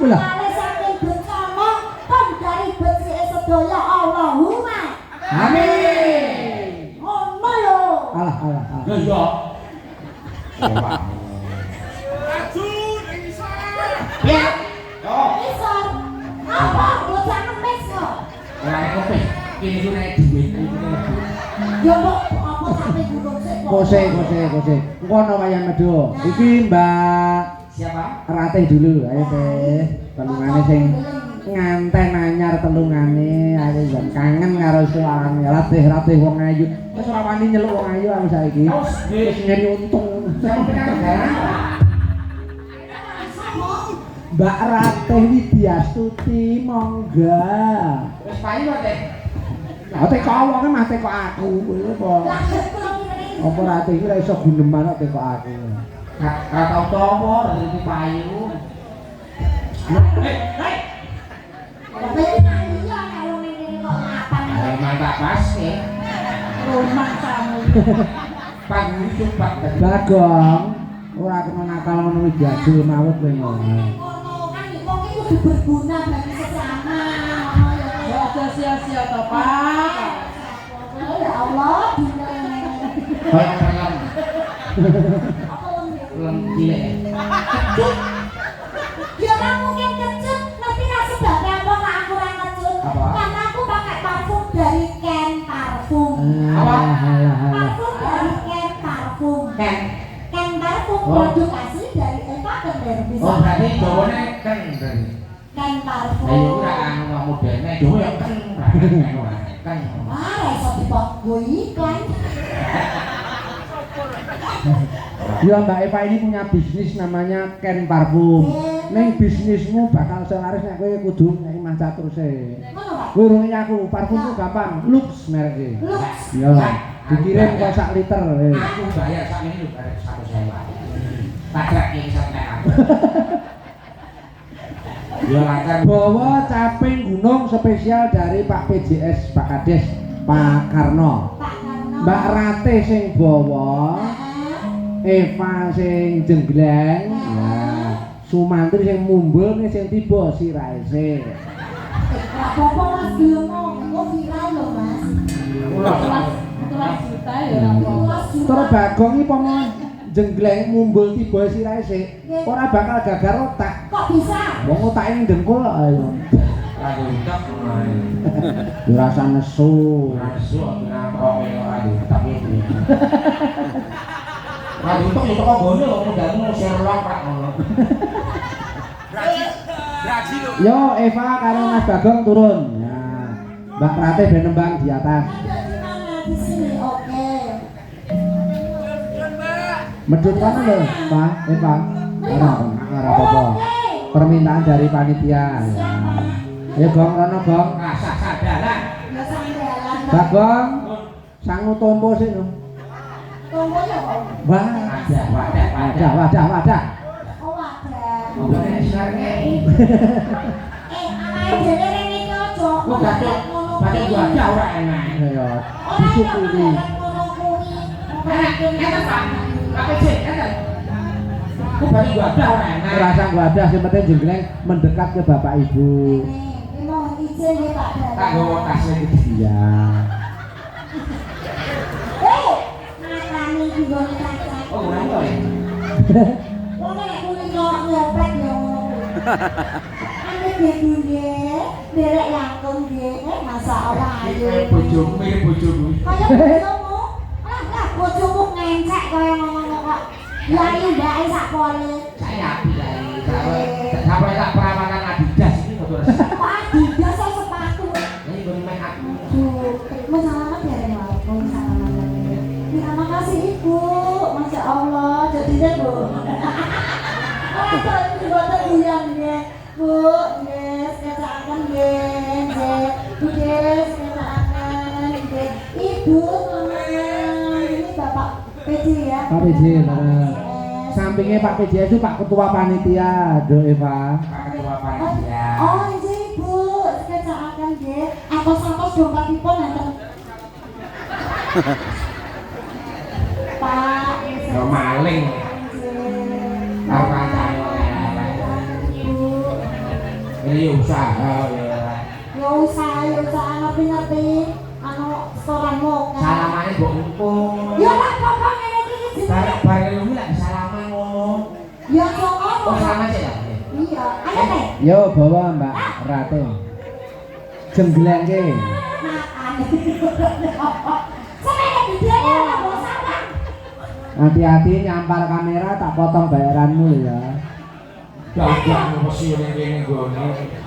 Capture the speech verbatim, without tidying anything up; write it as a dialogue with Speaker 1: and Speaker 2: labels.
Speaker 1: lho.
Speaker 2: Kale saking bencana pun dari becike sedaya Allahumma.
Speaker 1: Amin.
Speaker 2: Ngono lho.
Speaker 1: Alah alah alah.
Speaker 3: Lho iya. Ya. Oh.
Speaker 2: Iso. Apa bocah ngemis kok?
Speaker 3: Ora kepek. Kene ku nek duit iki.
Speaker 2: Ya kok apa sampe gunung sik kok.
Speaker 1: Kose kose kose. Engko ana wayang medho. Iki Mbak
Speaker 3: Siapa?
Speaker 1: Ratih dulu, ayo teh. Telungane sing nganten anyar telungane, ayo jan kangen karo suarane. Ratih-ratih wong ayu. Wis ora wani nyeluk wong ayu aku saiki. Wis nyari untung. Mbak Ratih Widyastuti monggo.
Speaker 3: Wis payu kok, Teh.
Speaker 1: Lah teko wonge mah teko aku kowe apa? Apa Ratih iki ora iso guneman kok teko aku.
Speaker 3: Gak tau tomo dari payu. Hei, hei.
Speaker 2: Tapi iya kalau ngene kok mapan.
Speaker 3: Ayo mantap pas ya.
Speaker 2: Rumah kamu.
Speaker 3: Pagi coba.
Speaker 1: Bagong ora kena nakal ngono iki jajul mawut kowe ngono.
Speaker 2: Kan wong iki kudu berguna bagi sesama.
Speaker 4: Ya aja sia-sia to, Pak.
Speaker 2: Ya Allah, dina.
Speaker 3: Kayak lem.
Speaker 2: Apa lem?
Speaker 3: Lem cilik.
Speaker 2: Ya ora mungkin kecut, nanti ra sebabnya apa kok aku ora kecut.
Speaker 3: Apa?
Speaker 2: Karena aku pakai parfum dari Ken Parfum.
Speaker 3: Apa?
Speaker 2: Parfum dari Ken Parfum.
Speaker 3: Ken.
Speaker 2: Ken Parfum
Speaker 3: Oh.
Speaker 2: produk asli dari Eva Kender. Bisa.
Speaker 3: Oh, berarti jawane ken.
Speaker 2: Ken Parfum.
Speaker 3: Ayo ora anu modene, jawa ya ken. Ken.
Speaker 2: Ah, ra iso dipot go iklan.
Speaker 1: Ya Mbak Eva ini punya bisnis namanya Ken Parfum. Neng bisnismu bakal selaris nek kowe kudu nek maca terus e.
Speaker 2: Ngono, Pak.
Speaker 1: Kowe urung aku, parfum ku gampang, Lux mereke.
Speaker 2: Lux.
Speaker 1: Ya. Dikirim kok sak liter. eh.
Speaker 3: Aku bayar sak ini lho bayar satu sewa. Padrak iki sampean. Ya lancar.
Speaker 1: Bawa caping gunung spesial dari Pak P J S Pak Kades Pak Karno.
Speaker 2: Pak Karno.
Speaker 1: Mbak Ratih sing bawa, Eva sing jenggleng, ya. Sumantri sing mumbul nih sing tiba sirahe sih.
Speaker 2: Lah apa Mas gelem kok viral lho, Mas.
Speaker 4: Kelas juta ya ora apa.
Speaker 1: Terus Bagong iki pomo jenggleng mumbul tiba sirahe sih. Ora bakal gagar otak.
Speaker 2: Kok bisa?
Speaker 1: Wong otake ning dengkul kok ayo.
Speaker 3: Lagi utak.
Speaker 1: Dirasa nesu.
Speaker 3: Nasu nang ora tapi itu. Lagi utak itu kok gone kok modalmu Sherlock Pak ngono. Braji. Braji lho.
Speaker 1: Yo Eva karo Mas Bagong turun. Ya. Mbak Ratih ben nembang di atas.
Speaker 2: Ada di mana? Di sini. Oke.
Speaker 1: Medhun kono lho, Pak, Eva. Ora ora apa-apa. Permintaan dari panitia. Ya. Ya Gong rono Gong.
Speaker 3: Rasa sadaran.
Speaker 2: Ya sandalan.
Speaker 1: Bagong sangu tompo sih no.
Speaker 2: Tunggu ya, Pak.
Speaker 1: Wah,
Speaker 3: Ada wadah
Speaker 1: wadah wadah wadah.
Speaker 2: Oh, ada.
Speaker 3: Ngomongnya sinarnya.
Speaker 2: Eh, awake dhewe rene iki aja.
Speaker 3: Kok batuk batuk wadah ora enak.
Speaker 1: Ya, disyukuri.
Speaker 2: Ngono kuwi.
Speaker 3: Enak, enak Pak. Apa sih? Enak. Kok bagi wadah ora enak.
Speaker 1: Rasa wadah sing penting jenggleng mendekat ke Bapak Ibu.
Speaker 2: Ini mohon izin ya Pak Dadan.
Speaker 3: Tak gowo tasnya iki.
Speaker 1: Iya.
Speaker 2: Eh, makane iki gone kaca.
Speaker 3: Oh, ora to ya.
Speaker 2: Wong nek kuwi kok ngeplek ya ngono kuwi. Ane bebu nggih, derek langkung nggih. Eh, masyaallah ayo.
Speaker 3: Bojomu mirip bojomu.
Speaker 2: Kaya bojomu. Lah, lah bojomu ngencek kaya ngono kok. Yai mbake sak pole.
Speaker 3: Saya api dari sampai tak perawatan Adidas ini betul.
Speaker 2: Pak Adidas saya sepatu.
Speaker 3: Ini gue main aku.
Speaker 2: Duh, mau salaman ya Renal? Mau salaman. Terima kasih Ibu. Masya Allah, jadinya Bu. Orang itu juga terguyang ya. Bu, yes, kecaakan yes, Bu yes, kecaakan yes. Ibu, Mama, ini Bapak P J ya.
Speaker 1: Pak P J, bener. Sampingnya Pak P J itu Pak Ketua Panitia, Do Eva.
Speaker 3: Pak Ketua Panitia.
Speaker 2: Oh, ini Ibu, kecaakan yes. Akos-akos dompetipun nanten. Pak,
Speaker 3: Yo maling. Karo kancane. Ini usaha ya.
Speaker 2: Ya usaha, ya usaha ngerti-ngerti. Anu setoranmu kan.
Speaker 3: Salamane mbok empung.
Speaker 2: Ya ora apa-apa ngene iki jenenge.
Speaker 3: Bareng-bareng lu lak salaman ngono.
Speaker 2: Ya kok ngono.
Speaker 3: Oh salaman sih lah.
Speaker 2: Iya, ayo teh.
Speaker 1: Yo bawa Mbak Ratu. Jengglengke.
Speaker 2: Makan. Sampe videonya ora mau salah.
Speaker 1: Hati-hati nyampar kamera tak potong bayaranmu ya.
Speaker 3: Gak gak mesti ning kene gone.